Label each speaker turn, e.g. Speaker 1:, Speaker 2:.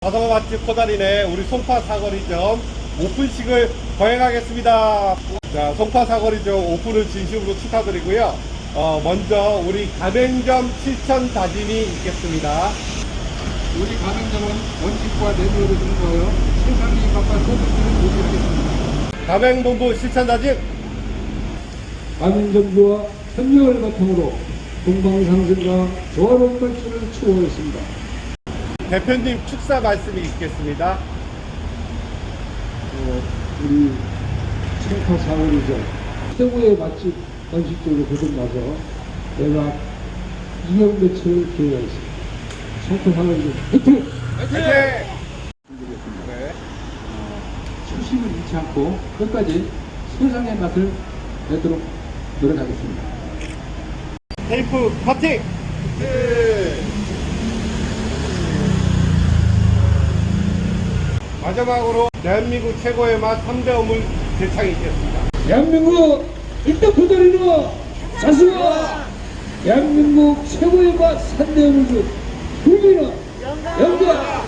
Speaker 1: 자동화 맛집 코다리네 우리 송파 사거리점 오픈식을 거행하겠습니다. 자, 송파 사거리점 오픈을 진심으로 축하드리고요. 먼저 우리 가맹점 실천 다짐이 있겠습니다.
Speaker 2: 우리 가맹점은 원칙과 내부를 준거하여 생산비 입각과 소득을 유지하겠습니다.
Speaker 1: 가맹본부 실천 다짐.
Speaker 2: 가맹점주와 협력을 바탕으로 동방상승과 조화로운 발전을 추구하겠습니다.
Speaker 1: 대표님 축사 말씀이 있겠습니다.
Speaker 2: 우리 송파 사거리점 최고의 맛집 원칙적으로 거듭나서 내가 2년 매출을 기획하겠습니다. 송파 사거리점 화이팅!
Speaker 1: 화이팅! 네.
Speaker 2: 초심을 잃지 않고 끝까지 세상의 맛을 내도록 노력하겠습니다.
Speaker 1: 테이프 커팅! 네. 마지막으로 대한민국 최고의 맛 3대 어물 대창이 있겠습니다.
Speaker 2: 대한민국 일단 고다리는 자수와 대한민국 최고의 맛 3대 어물주 국민은 영광!